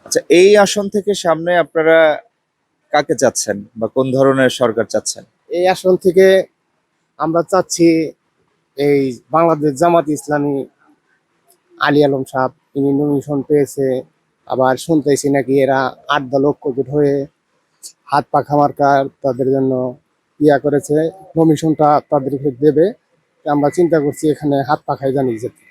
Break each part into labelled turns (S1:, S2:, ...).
S1: আচ্ছা, এই আসন থেকে সামনে আপনারা কাকে চাচ্ছেন বা কোন ধরনের সরকার চাচ্ছেন?
S2: এই আসন থেকে আমরা চাচ্ছি এই বাংলাদেশ জামাত ইসলামী আলী আলম সাহেব তিনি নমিনেশন পেয়েছে। আবার শুনতেছি নাকি এরা 8 দল ঐক্যজোট হয়ে হাত পাখা মার্কার তাদের জন্য করেছে, নমিনেশনটা তাদেরকে দেবে। আমরা চিন্তা করছি এখানে হাত পাখায় জানিয়ে যেতে।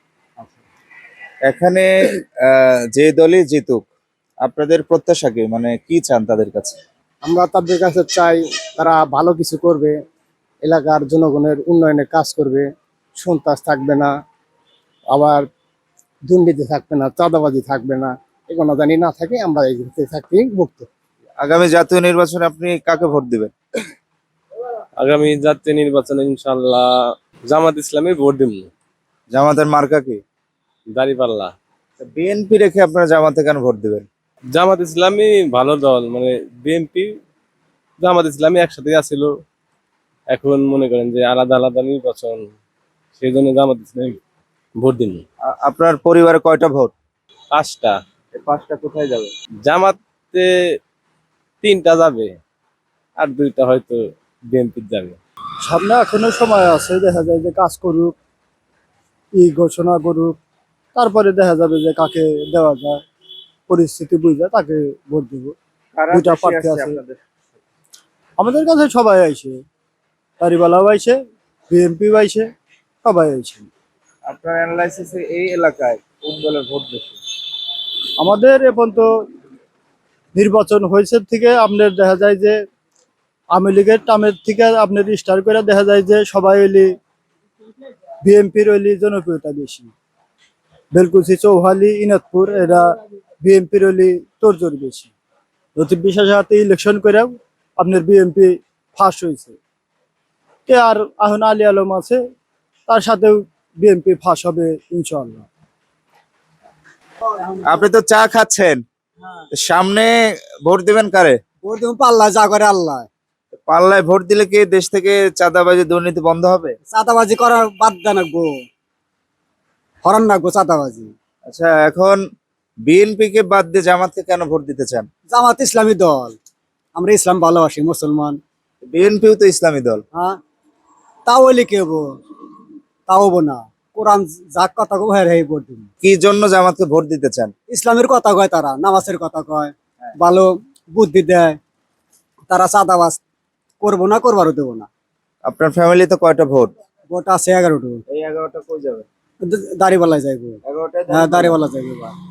S1: এখানে যে দলই জিতুক, আপনাদের প্রত্যাশা কি, মানে কি চান তাদের কাছে?
S2: আমরা তাদের কাছে চাই তারা ভালো কিছু করবে, এলাকার জনগণের উন্নয়নে কাজ করবে, সন্ত্রাস থাকবে না, আবার দুর্নীতি থাকবে না, চাঁদাবাজি থাকবে না, এগুলো জানি না থাকে। আমরা এই থাকতে মুক্ত।
S1: আগামী জাতীয় নির্বাচনে আপনি কাকে ভোট দিবেন?
S3: আগামী জাতীয় নির্বাচনে ইনশাল্লাহ জামাত ইসলামী ভোট দিব।
S1: জামাতের মার্কা কি?
S3: দাঁড়িপাল্লা।
S1: বিএনপি রেখে আপনারা জামাতে কেন ভোট দিবেন?
S3: জামাত ইসলামী ভালো দল, মানে বিএনপি জামাত ইসলামী একসাথে আছিল, এখন মনে করেন যে আলাদা আলাদা নির্বাচন, সেই জন্য জামাত ইসলামী ভোট দিন।
S1: আপনার পরিবারে কয়টা ভোট?
S3: 5টা।
S1: এই 5টা কোথায় যাবে?
S3: জামাতে 3টা যাবে, আর 2টা হয়তো বিএনপি যাবে।
S2: সামনে এখনো সময় আছে, দেখা যায় যে কাজ করুক, ঘোষণা করুক, তারপরে দেখা যাবে যে কাকে দেওয়া যায়, পরিস্থিতি বুঝে তাকে ভোট দেব।
S1: কারা
S2: দুইটা
S1: বেশি
S2: প্রার্থী
S1: আছে
S2: আছে।
S1: আপনাদের?
S2: আমাদের কাছে সবাই আইছে, তারিবালাও আইছে, বিএনপি আইছে, সবাই আইছে।
S1: আপনার অ্যানালাইসিসে এই এলাকায় কোন দলের ভোট বেশি?
S2: আমাদের এখন তো নির্বাচন হয়েছে থেকে আপনার দেখা যায় যে আওয়ামী লীগের টামের থেকে আপনার স্টার করে দেখা যায় যে সবাই হইলি বিএনপির হইলি জনপ্রিয়তা বেশি। বেলকুচি, চৌহালি, ইনাদপুর এরা বিএনপির হইলি তোড়জোড় বেশি। লতিফ বিশ্বাসের হাতে ইলেকশন করেও আপনার বিএনপি ফার্স্ট হয়েছে। কে আর এখন আলী আলম আছে, তার সাথেও বিএনপি ফার্স্ট হবে ইনশাআল্লাহ।
S1: আপনি তো চা খাচ্ছেন, সামনে ভোট দিবেন কারে?
S2: ভোট দেবো পাল্লা, যা করে আল্লাহ।
S1: পাল্লায় ভোট দিলে কি দেশ থেকে চাঁদাবাজি দুর্নীতি বন্ধ হবে?
S2: চাঁদাবাজি করার বাদ দেন গো, হরান না গো চাঁদাবাজি।
S1: আচ্ছা, এখন বিএনপি কে বাদ দিয়ে জামাতকে কেন ভোট দিতে চান?
S2: জামাত ইসলামী দল, আমরা ইসলাম ভালোবাসি, মুসলমান।
S1: বিএনপিও তো ইসলামী দল।
S2: হ্যাঁ, তাও হইলে কি হবো? তাও হবো না। কোরআন যা কথা কয় হেরে ভোট দিন।
S1: কি জন্য জামাতকে ভোট দিতে চান?
S2: ইসলামের কথা কয়, তারা নামাজের কথা কয়, ভালো বুদ্ধি দেয়, তারা চাঁদাবাজ করবো না, করবারও দেবো না।
S1: আপনার ফ্যামিলিতে কয়টা ভোট?
S2: ভোট আছে 11টা।
S1: এই 11টা কই যাবে?
S2: দাড়িওয়ালা যাইবো।
S1: 11টায়
S2: হ্যাঁ, দাড়িওয়ালা যাইবো।